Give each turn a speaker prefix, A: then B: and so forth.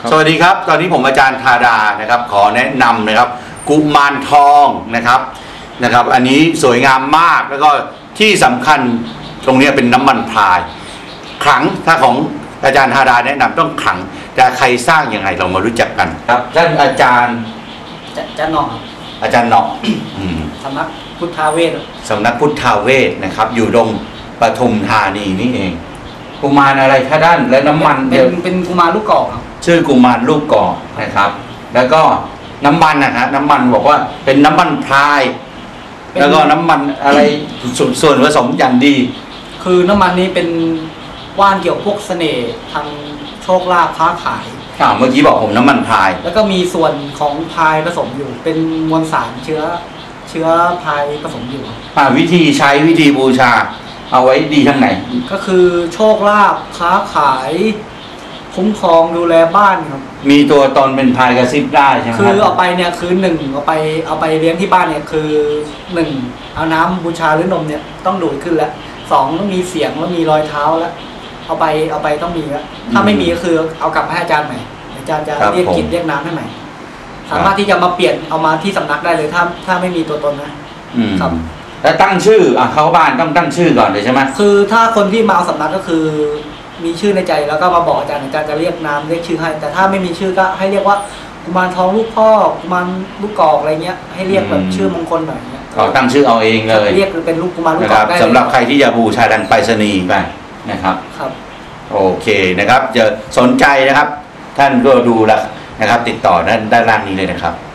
A: สวัสดีครับตอนนี้ผมอาจารย์ธาดานะครับขอแนะนำนะครับกุมารทองนะครับอันนี้สวยงามมากแล้วก็ที่สำคัญตรงนี้เป็นน้ำมันพรายขลังถ้าของอาจารย์ธาดาแนะนำต้องขลังแต่ใครสร้างยังไงเรามารู้จักกันครับท่านอาจารย์
B: หน่อ
A: อาจารย์หน่อ
B: สำนักพุทธาเวท
A: สำนักพุทธาเวทนะครับอยู่ตรงปทุมธานีนี่เองกุมารอะไรท่าด้านและน้ำมัน
B: เป็นกุมารลูกกอกครับ
A: ชื่อกุมารลูกกอกนะครับแล้วก็น้ำมันนะฮะน้ำมันบอกว่าเป็นน้ำมันพรายแล้วก็น้ำมันอะไรส่วนผสมอย่างดี
B: คือน้ำมันนี้เป็นว่านเกี่ยวพวกเสน่ห์ทางโชคลาภค้าขาย
A: เมื่อกี้บอกผมน้ำมันพราย
B: แล้วก็มีส่วนของพรายผสมอยู่เป็นมวลสารเชื้อพรายผสมอยู่
A: วิธีใช้วิธีบูชาเอาไว้ดีทั้งไหน
B: ก็คือโชคลาภค้าขายคุ้มครองดูแลบ้านครับ
A: มีตัวตนเป็นพายกระซิบได้ใช่ไหม
B: คือเอาไปเนี่ยคือ1เอาไปเลี้ยงที่บ้านเนี่ยคือ1เอาน้ำบูชาหรือนมเนี่ยต้องดูดขึ้นแล้ว2ต้องมีเสียงแล้วมีรอยเท้าแล้วเอาไปต้องมีแล้วถ้าไม่มีก็คือเอากลับให้อาจารย์ใหม่อาจารย์จะเรียกกินเรียกน้ำให้ใหม่สามารถที่จะมาเปลี่ยนเอามาที่สำนักได้เลยถ้าไม่มีตัวตนนะครับ
A: แล้วตั้งชื่อเข้าบ้านต้องตั้งชื่อก่อนเลยใช่ไหม
B: คือถ้าคนที่มาเอาสำนักก็คือมีชื่อในใจแล้วก็มาบอกอาจารย์จะเรียกนามเรียกชื่อให้แต่ถ้าไม่มีชื่อก็ให้เรียกว่ากุมารทองลูกพ่อกุมารลูกกอกอะไรเงี้ยให้เรียกแบบชื่อมงคลหน่อยเนี่ย
A: ตั้งชื่อเอาเองเลย
B: เรียกเป็นลูกกุมารลูกกอกได้
A: สำหรับใครที่จะบูชาดันไปรษณีย์ไปนะครับโอเคนะครับจะสนใจนะครับท่านก็ดูแลนะครับติดต่อด้านล่างนี้เลยนะครับ